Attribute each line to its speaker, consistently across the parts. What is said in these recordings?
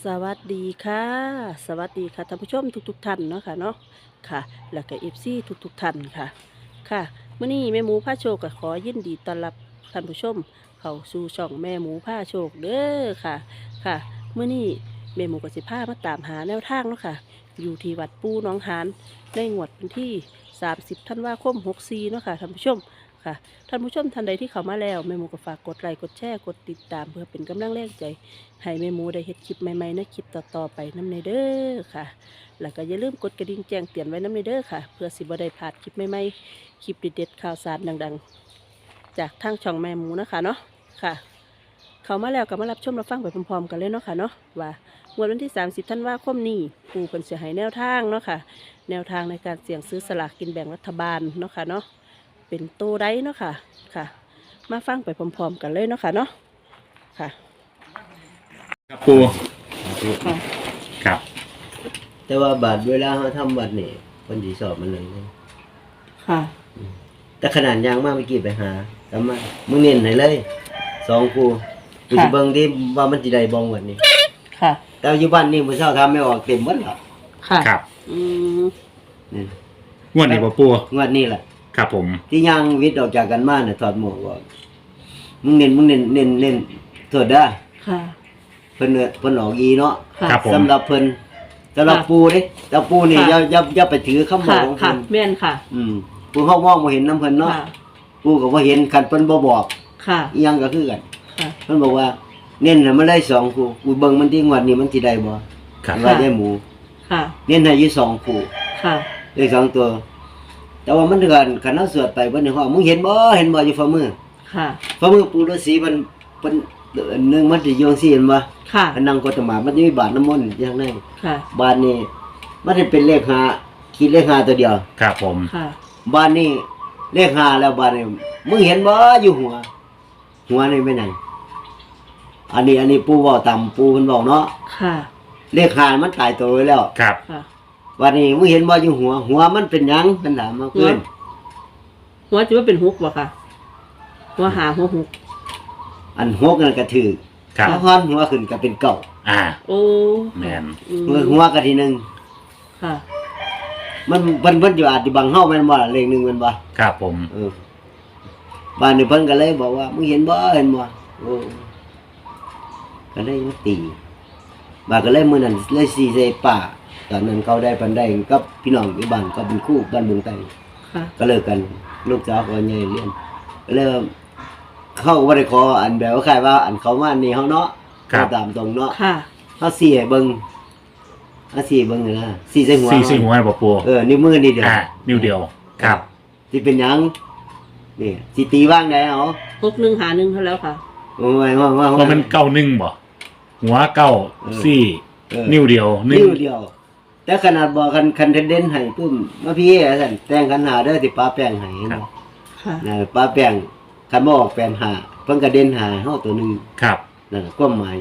Speaker 1: สวัสดีค่ะสวัสดีค่ะท่านผู้ชมทุกท่านเนาะค่ะเนาะค่ะแล้วก็FCทุกท่านค่ะค่ะมื้อนี้แม่หมูผ้าโชคก็ขอยินดีต้อนรับท่านผู้ชมเข้าสู่ช่องแม่หมูผ้าโชคเด้อค่ะค่ะมื้อนี้แม่หมูก็สิพามาตามหาแนวทางเนาะค่ะอยู่ที่วัดปูหนองหานในงวดวันที่30ธันวาคม64เนาะค่ะท่านผู้ชมค่ะท่านผู้ชมท่านใดที่เข้ามาแล้วแม่หมูก็ฝากกดไลค์กดแชร์กดติดตามเพื่อเป็นกำลังแรงใจให้แม่หมูได้เฮ็ดคลิปใหม่ๆในคลิปต่อๆไปนำในเด้อค่ะแล้วก็อย่าลืมกดกระดิ่งแจ้งเตือนไว้นำในเด้อค่ะเพื่อสิบ่ได้พลาดคลิปใหม่ๆคลิปเด็ดๆข่าวสารดังๆจากทางช่องแม่หมูนะคะเนาะค่ะเข้ามาแล้วก็มารับชมรับฟังไปพร้อมๆกันเลยเนาะค่ะเนาะว่างวดวันที่30ธันวาคมนี้ปู่เพิ่นสิให้แนวทางเนาะค่ะแนวทางในการเสี่ยงซื้อสลากกินแบ่งรัฐบาลเนาะค่ะเนาะเป็นโตได้เนาะค่ะค่ะมาฟังไปพร้อมๆกันเลยเนาะค่ะเนาะค่ะ
Speaker 2: ครับปู
Speaker 1: ค่ะ
Speaker 2: ครับ
Speaker 3: แต่ว่าบาทเวลาเขาทำบัตรนี่คนที่สอบมันเลยนะ
Speaker 1: ค่ะ
Speaker 3: แต่ขนาดยางมากเมื่อกี้ไปหาทำมามึงเน้นให้เลย2กูกูจะเบิ่งที่ว่ามันจะได้บ่งวันนี้
Speaker 1: ค่ะ
Speaker 3: แต่อยู่บ้านนี่มื้อเช้าทำไม่ออกเต็มหมดแล้ว
Speaker 1: ค่ะ
Speaker 2: ครับ
Speaker 1: อืม
Speaker 3: นี่
Speaker 2: งวดนี้บ่ปู
Speaker 3: งวดนี้แหละ
Speaker 2: ครับผม
Speaker 3: ที่ยางวิทย์ออกจากกันมาน่ะถอดหมวกว่ามึงเน้นโทษเด้อ
Speaker 1: ค่ะ
Speaker 3: เพิ่นออกอีเนาะ
Speaker 1: ค่ะ
Speaker 2: ครับผม
Speaker 3: สำหรับเพิ่นสำหรับปูเด้แต่ปูนี่
Speaker 1: ค่ะ
Speaker 3: อย่าไปถือคำบอ
Speaker 1: ค่ะ
Speaker 3: กของ
Speaker 1: ค่ะ
Speaker 3: เพิ่น
Speaker 1: แม่นค่ะ
Speaker 3: ปูเฮามองบ่เห็นนำเพิ่นเนาะ
Speaker 1: ค่ะ
Speaker 3: ปูก็บ่เห็นคันเพิ่นบ่บอก
Speaker 1: ค่ะ
Speaker 3: อีหยังก็คือกัน
Speaker 1: ค่ะ
Speaker 3: มันบอกว่าเน้นให้มันได้2คู่กูเบิ่งมันที่งวดนี้มันสิได้บ่
Speaker 2: ครับ
Speaker 3: ว่าได้หมู
Speaker 1: ค่ะ
Speaker 3: เน้นให้อยู่2คู่
Speaker 1: ค่ะ
Speaker 3: ได้2ตัว แต่ว่ามันเถื่อนคันเฮาสวดไปเบิ่นในห้องมึงเห็นบ่อยู่ฝ่ามือ
Speaker 1: ค่ะ
Speaker 3: ฝ่ามือปู่ฤาษีมันนึงมันสิอยู่จังซี่เห็นบ่
Speaker 1: ค่ะ
Speaker 3: มันนั่งกดตมามันจะมีบาทน้ำมนต์อย่างนั้น
Speaker 1: ค่ะ
Speaker 3: บาทนี้มันจะเป็นเลข5คิดเลข5ตัวเดียว
Speaker 2: ครับผม
Speaker 1: ค่ะ
Speaker 3: บาทนี้เลข5แล้วบาทนี้มึงเห็นบ่อยู่หัวนี่แม่นหยังอันนี้ปู่เว้าตามปู่เพิ่นเว้าเนาะ
Speaker 1: ค่ะ
Speaker 3: เลข5มันตายตัวไว้แล้ว
Speaker 2: ครับ
Speaker 1: ค่ะ
Speaker 3: วันนี้มึงเห็นบ่อยู่หัวมันเป็นหยังมันถามมาเพิ่น
Speaker 1: หัวจะว่าเป็นฮุกบ่ค่ะ หัวหาหัวฮุก
Speaker 3: อันหกนั่นก็ถือ
Speaker 2: ครับ
Speaker 3: ถ้าฮ้อนหัวขึ้นก็เป็นเก่า
Speaker 2: อ่า
Speaker 1: โอ้
Speaker 2: แม่น
Speaker 1: อืม
Speaker 3: หัวก็ทีหนึง
Speaker 1: ค่ะ
Speaker 3: มันเพิ่นอยู่อาจสิบังเฮาแม่นบ่ล่ะเลข1แม่นบ่
Speaker 2: ครับผม
Speaker 3: บ้านนี้เพิ่นก็เลยบอกว่ามึงเห็นบ่โอ้ก็เลยมาตีบ้านก็เลยมื้อนั้นเลยสิใส่ป่าตอนนั้นเขาได้ปันได้กับพี่น้องอยู่บ้านก็เป็นคู่บ้านบุงไต
Speaker 1: ค่ะ
Speaker 3: ก็เลิกกันลูกสาวก็ใหญ่เรียนก็เลยเขาก็บ่ได้ขออันแบบว่าใครว่าอันเขามานี่เฮาเนาะ
Speaker 2: ครับ
Speaker 3: ตามตรงเนาะ
Speaker 1: ค่ะ
Speaker 3: เฮาสิให้เบิ่งเฮาสิเบิ่งนี่นะสิใส่หัว
Speaker 2: สี่หัวบ่ปู
Speaker 3: นิ้วมือนี่เดียว
Speaker 2: อ่านิ้วเดียว ครับ
Speaker 3: สิเป็นหยังนี่สิตีว่างได้เอา
Speaker 1: ฮุกหนึ่งหาหนึ่งเท่าแล้วค่ะ
Speaker 3: โอ้ยว่า
Speaker 2: เพราะมันเก้าหนึ่งบ่หัวเก้า
Speaker 3: เออ
Speaker 2: สี่
Speaker 3: เออ
Speaker 2: นิ้วเดียวหนึ่ง
Speaker 3: นิ้วเดียว แต่ขนาดบอกคันเด่นให้ปุ้มมาพี่สั่นแต่งขันหาเด้อสิป้าแป้งให้เห็น
Speaker 2: ครับ
Speaker 3: บ่
Speaker 1: ค่ะ
Speaker 3: นะป้าแป้งคันบ่ออกแป้งหาเพิ่นก็เด่นหาเฮาตัวหนึง
Speaker 2: ครับ
Speaker 3: นั่นน่ะความหมาย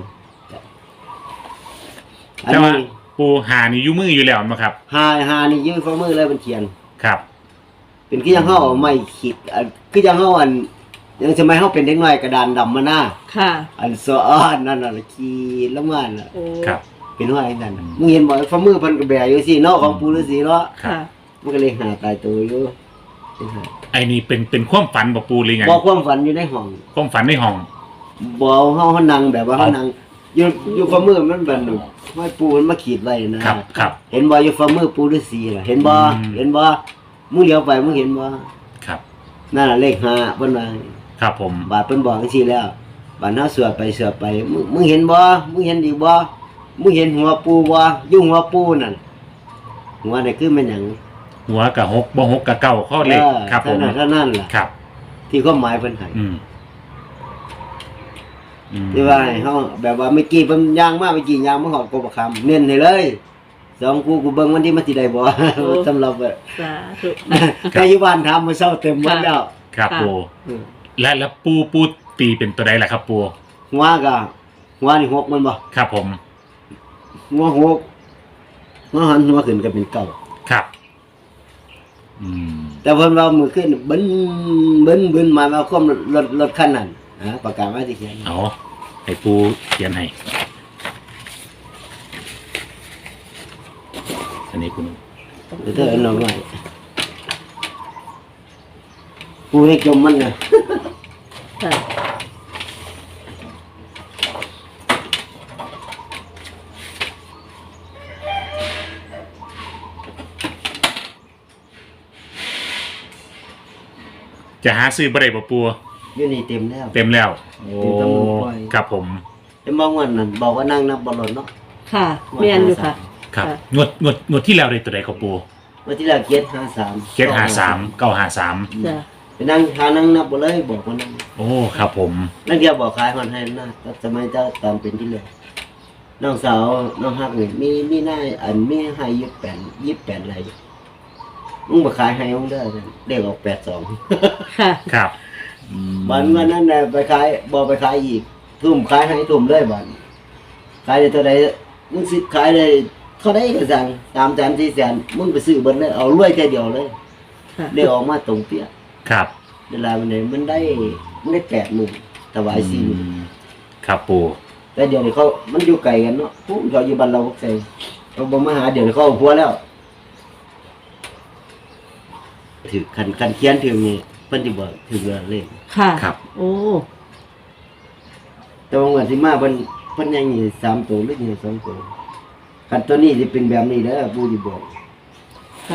Speaker 3: อัน
Speaker 2: แต่ว่า
Speaker 3: นี้
Speaker 2: ปูหานี่อยู่มืออยู่แล้วมั้งครับ
Speaker 3: หานี่ยืนฝ่ามือเลยมันเขียน
Speaker 2: ครับ
Speaker 3: เป็นคือยังเฮาเอาไม้ขีดคือยังเฮายังสมัยเฮาเป็นเด็กน้อยกระดานดำมาหน้า
Speaker 1: ค่ะ
Speaker 3: อันสะอ้อนนั่นน่ะขีดลงมาน่ะ
Speaker 1: โอ้
Speaker 2: ครับ
Speaker 3: เป็นว่าจังซั่นน่ะมึงเห็นบ่ฝ่ามือเพิ่นก็แบอยู่สิเนาะของปู่ฤาษีเนาะ
Speaker 2: ครับ
Speaker 1: ค่ะ
Speaker 3: มันก็เลยหาตายตัวอยู่
Speaker 2: ไอ้นี่เป็นความฝันบ่ปูหรือไง
Speaker 3: บอกความฝันอยู่ในห้อง
Speaker 2: ความฝันในห้อง
Speaker 3: บอกเฮานั่งแบบว่าเฮานั่งอยู่ฝ่ามือมันแบบห้อยปูมันมาขีดไว้นะครับ
Speaker 2: ครับ
Speaker 3: เห็นบ่อยู่ฝ่ามือปูฤาษีล่ะเห็นบ่
Speaker 2: อืม
Speaker 3: เห็นบ่มึงเลี้ยวไปมึงเห็นบ่
Speaker 2: ครับ
Speaker 3: นั่นน่ะเลข5เพิ่นว่า
Speaker 2: ครับผม
Speaker 3: บาดเพิ่นบอกจังซี่แล้วบาดเฮาสวดไปมึงเห็นบ่มึงเห็นอีกบ่มึงเห็นหัวปูบ่อยู่หัวปูนั่นหัวนี่คือมันหยัง
Speaker 2: หัวกับหกบ่หกกับเก้าข้อเลขครับผม
Speaker 3: เท่านั้นล่ะ
Speaker 2: ครับ
Speaker 3: ที่ความหมายเพิ่นให้
Speaker 2: อืมอืม
Speaker 3: ที่ว่าให้เฮาแบบว่าเมื่อกี้เพิ่นย่างมาเมื่อกี้ย่างมาฮอดกบคำเน้นให้เลยสองกูเบิ่งวันที่มันสิได้บ่ สำหรับแบบ
Speaker 1: สาธุ
Speaker 3: แต่อยู่บ้านทำมื้อเช้าเต็มหมดแล้ว
Speaker 2: ครับ
Speaker 1: ค่ะ
Speaker 2: ปูและปูตีเป็นตัวใดล่ะครับปู
Speaker 3: หัวก็หัวนี่หกมันบ่
Speaker 2: ครับผม
Speaker 3: หัวหกหัวหันหัวขึ้นก็เป็นเก้า
Speaker 2: ครับ อืม
Speaker 3: แต่เพิ่นว่ามื้อขึ้นบึ้นมาความรถคันนั้นประกาศว่าสิเขียน
Speaker 2: เอาให้ปูเขียนให้นี้คุณ
Speaker 3: เธอน้องใหม่ปูให้จมมันนะ
Speaker 1: ค่ะ
Speaker 2: จะหาซื้อบ่ได้บ่ปู
Speaker 3: อยู่นี่เต็มแล้ว
Speaker 2: เต็มแล้ว โอ้
Speaker 3: เต็มตำรวจปล่อย
Speaker 2: ครับผม
Speaker 3: แต่บางวันนั่นบอกว่านั่งนับบอลลนเนาะ
Speaker 1: ค่ะแม่นอยู่ค่ะ
Speaker 2: ครับ
Speaker 1: ค่ะ
Speaker 2: งวดที่แล้วได้ตัวใดครับปู
Speaker 3: วันที่แล้วเกียรติ53
Speaker 2: เจ็ดหาสามเก้าหาสาม
Speaker 1: จ้ะ
Speaker 3: ไปนั่งนั่งนับบ่เลยบอกว่านั่ง
Speaker 2: โอ้ครับผม
Speaker 3: นั่นเดียวบอกขายมันให้นะก็สมัยเจ้าตอนเป็นที่เลยน้องสาวน้องฮักนี่มีหน้าอันมีให้28อะไรมึงบ่ขายให้มึงเด้อเด็กออก82
Speaker 1: ค่ะ
Speaker 2: ครับ
Speaker 3: วันนั้นน่ะไปขายบ่ไปขายอีกทุ่มขายให้ทุ่มเลยบัดขายได้เท่าใดมึงสิขายได้เท่าใดก็สั่ง3แสน4แสนมึงไปซื้อเบิดเลยเอารวยแค่เดียวเลย
Speaker 1: ค่ะ
Speaker 3: ได้ออกมาตรงเปี้ย
Speaker 2: ครับ
Speaker 3: เวลามันได้80,000ถวาย40,000
Speaker 2: ครับปู
Speaker 3: แต่เดี๋ยวนี้เขามันอยู่ไกลกันเนาะปุ๊บเขาอยู่บ้านเราพวกใส่เขาบ่มาหาเดี๋ยวนี้เขาเอาผัวแล้วถือคันเขียนถึงนี่เพิ่นสิบอกถึงเรื่องเลข
Speaker 1: ค่ะ
Speaker 2: ครับ
Speaker 1: โอ้
Speaker 3: แต่ว่าวันที่มาเพิ่นยังมี3ตัวหรือยัง2ตัวคันตัวนี้สิเป็นแบบนี้เด้อผู้ที่บอก
Speaker 1: ค่ะ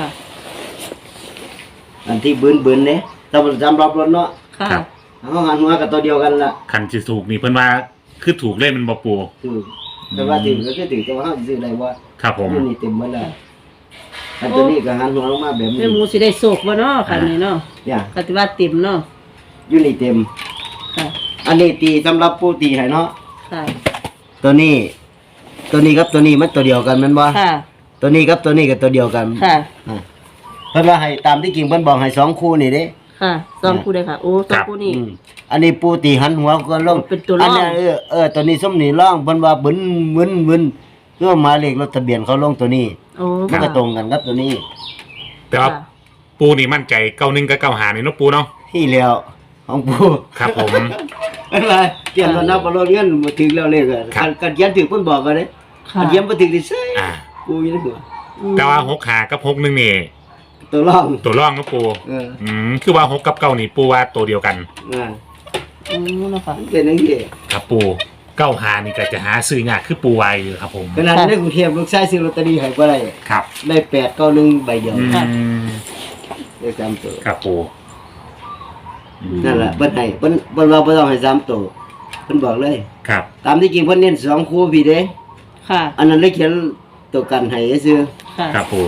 Speaker 3: อันที่บืนเด้ถ้ามันจำรับรถเนาะ
Speaker 1: ค่ะ
Speaker 2: ครับ
Speaker 3: เฮาหันหัวกับตัวเดียวกันล่ะ
Speaker 2: คันสิถูกนี่เพิ่นว่าคือถูกเล่นมันบ่ปู
Speaker 3: ถือแต่ว่าถือก็คือถือแต่ว่าเฮาสิซื้อได้บ่
Speaker 2: ครับผม
Speaker 3: อยู่นี่เต็มหมดแล้วอันตัวนี้ก็หันหัวลงมาแบบนี้
Speaker 1: แม่หมูสิได้โศกบ่เนาะค่ะนี่เนาะ
Speaker 3: เนี่ย
Speaker 1: ปฏิวัติติ่มเนาะ
Speaker 3: อยู่นี่เต็ม
Speaker 1: ค่ะ
Speaker 3: อันนี้ตีสำหรับผู้ตีให้เนาะ
Speaker 1: ค่ะ
Speaker 3: ตัวนี้กับตัวนี้มันตัวเดียวกันแม่นบ่
Speaker 1: ค่ะ
Speaker 3: ตัวนี้กับตัวนี้ก็ตัวเดียวกัน
Speaker 1: ค่ะ
Speaker 3: อ่าเพิ่นว่าให้ตามที่จริงเพิ่นบอกให้สองคู่นี่เด้
Speaker 1: ค่ะสองคู่เลยค่ะ โอ้สองคู่นี่
Speaker 3: อืมอันนี้ปูตีหันหัวก็ลง
Speaker 1: เป็นตัวร่อง
Speaker 3: นนี้ตัวนี้ส้มนี่ร่องเพิ่นว่าบึนเพื่อหมายเลขรถทะเบียนเขาลงตัวนี้
Speaker 1: โอ้
Speaker 3: มันก็ตรงกันกับตัวนี้
Speaker 2: แต่ว่าปูนี่มั่นใจเก้าหนึ่งกับเก้าหานี่เนาะปูเนาะ
Speaker 3: ที่แล้วของปู
Speaker 2: ครับผม
Speaker 3: อะไรเขียนว่านับบ่รถเงินบ่ถึงแล้วเลขอะ
Speaker 2: ครับ
Speaker 3: กันเขียนถึงเพิ่นบอกก็เด้
Speaker 1: ค่ะ
Speaker 3: กันเขียนบ่ถึงที่ใส่
Speaker 2: อ่า
Speaker 3: ปูอยู่ในหัว
Speaker 2: แต่ว่าหกหากับหกหนึ่งนี่
Speaker 3: ตัวร่อง
Speaker 2: ตัวร่องเนาะปู
Speaker 3: เออ
Speaker 2: คือว่าหกกับเก้านี่ปูว่าตัวเดียวกัน
Speaker 3: อ่า
Speaker 1: อืมเนาะค่ะ
Speaker 3: เป็นจังซี่
Speaker 2: ครับปูเก้าหานี่ก็จะหาซื้อยากคือปูไวอยู่ครับผม
Speaker 3: ขนาดในกรุงเทพลูกชายซื้อลอตเตอรี่ให้บ่ได้
Speaker 2: ครับ
Speaker 3: ได้891ใบเดียว
Speaker 2: อืม
Speaker 3: ได้3ตัว
Speaker 2: ครับปูอืม
Speaker 3: นั่นแหละเพิ่นให้เพิ่นว่าบ่ต้องให้3ตัวเพิ่นบอกเลย
Speaker 2: ครับ
Speaker 3: ตามที่จริงเพิ่นเน้น2คู่พี่เด้
Speaker 1: ค่ะ
Speaker 3: อันนั้นเลยเขียนตัวกันให้ซื่อ
Speaker 1: ค่ะ
Speaker 2: ครับปู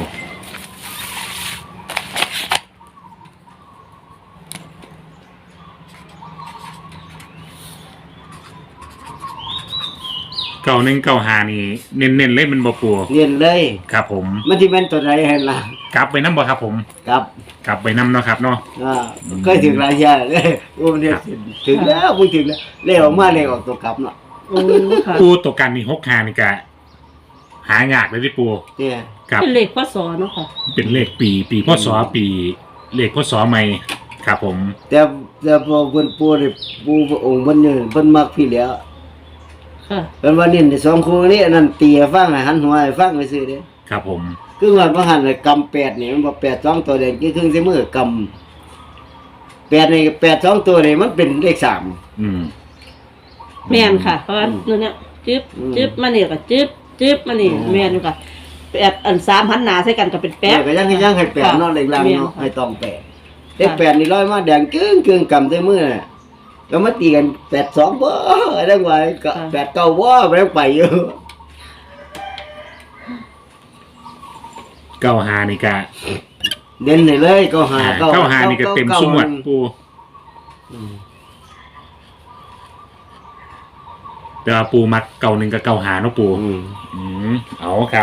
Speaker 2: เก้าหนึ่งเก้าหานี่เน้นๆเล่นมันบ่ปู
Speaker 3: เรียนเลย
Speaker 2: ครับผม
Speaker 3: มันสิเป็นตัวใดให้ล่ะ
Speaker 2: กลับไปน้ำบ่ครับผม
Speaker 3: ครับ
Speaker 2: กลับไปน้ำเนาะครับเนาะ
Speaker 3: อ่าเคยถึงหลายเที่ยเลยโอ้เนี่ยถึงแล้วบ่ถึงแล้วเลขออกมาเลขออกตัวกลับเนาะ
Speaker 1: โอ้ค่ะ
Speaker 2: ปูตัวกันมีหกหานี่กะหายากเลยที่ปู
Speaker 3: เนี่ย
Speaker 2: ครับ
Speaker 1: เป็นเลขพศเนาะค่ะ
Speaker 2: เป็นเลขปีพศปีเลขพศใหม่ครับผม
Speaker 3: แต่พอเพิ่นปูนี่ปูพระองค์เพิ่นเนี่ยเพิ่นมักพี่แล้ว
Speaker 1: ค่ะ
Speaker 3: เพิ่นว่าเน้นสองคู่นี้อันนั้นตีให้ฟังให้หันหัวให้ฟังไปซื่อเด้
Speaker 2: ครับผม
Speaker 3: คือว่าบ่หันเลยกำ8นี่มันบ่8 2ตัวแดงคือครึ่งใส่มือกำ8นี่8 2ตัวนี่มันเป็นเลข3
Speaker 2: อืม
Speaker 1: แม่นค่ะ เพราะว่าเนี่ยจึ๊บ
Speaker 3: อืม
Speaker 1: จึ๊บมานี่ก็จึ๊บมานี่
Speaker 3: อืม
Speaker 1: แม่นอยู่ค่ะแปดอัน3หันหน้าใส่กันก็เป็นแป๊บ
Speaker 3: ก็ยังให้แปดเนาะเลขล่าง
Speaker 1: แม่น
Speaker 3: เนาะ
Speaker 1: ค่ะ
Speaker 3: ให้ต้องแปดเลขแปดนี่ร้อยมาแดงกึ่งกำใส่มือน่ะแล้วมาตีกัน8 2บ่ได้ว่าก็8 9บ่ไปแล้วไปอยู่
Speaker 2: เก้าหานี่กะ
Speaker 3: เด่นให้เลยก็หา
Speaker 2: เก้าหานี่ก็เต็มสมวดปูแต่ว่าปูมักเก้าหนึ่งกับเก้าหาเนาะปู
Speaker 3: อืม
Speaker 2: อืมเอาครับ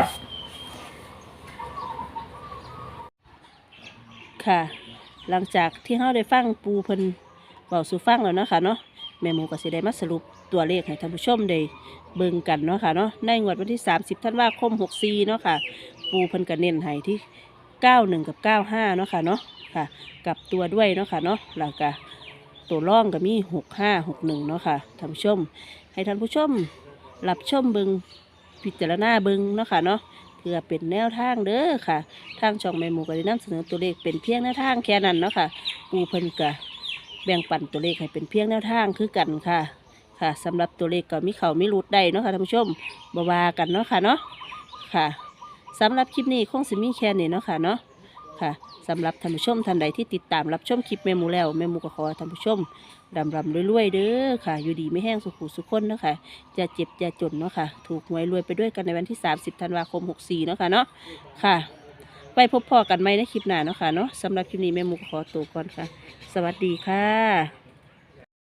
Speaker 1: ค่ะ หลังจากที่เราได้ฟังปูเพิ่นเบาสู่ฟังแล้วเนาะค่ะเนาะแม่หมูก็สิได้มาสรุปตัวเลขให้ท่านผู้ชมได้เบิ่งกันเนาะค่ะเนาะในงวดวันที่30ธันวาคม64เนาะค่ะ ปูเพิ่นก็เน้นให้ที่91กับ95เนาะค่ะเนาะค่ะกลับตัวด้วยเนาะค่ะเนาะแล้วก็ตัวร่องก็มี6561เนาะค่ะท่านผู้ชม ให้ท่านผู้ชมรับชมเบิ่งพิจารณาเบิ่งเนาะค่ะเนาะพื่อเป็นแนวทางเด้อค่ะทางช่องแม่หมูก็ได้นำเสนอตัวเลขเป็นเพียงแนวทางแค่นั้นเนาะค่ะปูเพิ่นก็แบ่งปันตัวเลขให้เป็นเพียงแนวทางคือกันค่ะค่ะสำหรับตัวเลขก็มีเขามีรุดได้เนาะค่ะท่านผู้ชมบ่ว่ากันเนาะค่ะเนาะค่ะสำหรับคลิปนี้คงสิมีแค่นี้เนาะค่ะเนาะค่ะสำหรับท่านผู้ชมท่านใดที่ติดตามรับชมคลิปแม่หมูแล้วแม่หมูก็ขอให้ท่านผู้ชมรำรวยๆเด้อค่ะอยู่ดีไม่แห้งสุขุสุขคนเนาะค่ะอย่าเจ็บอย่าจนเนาะค่ะถูกหวยรวยไปด้วยกันในวันที่30 ธันวาคม 64เนาะค่ะเนาะค่ะไปพบพอกันไหมในคลิปหน้าเนาะค่ะเนาะสำหรับคลิปนี้แม่หมูก็ขอตัวก่อนค่ะสวัสดีค่ะ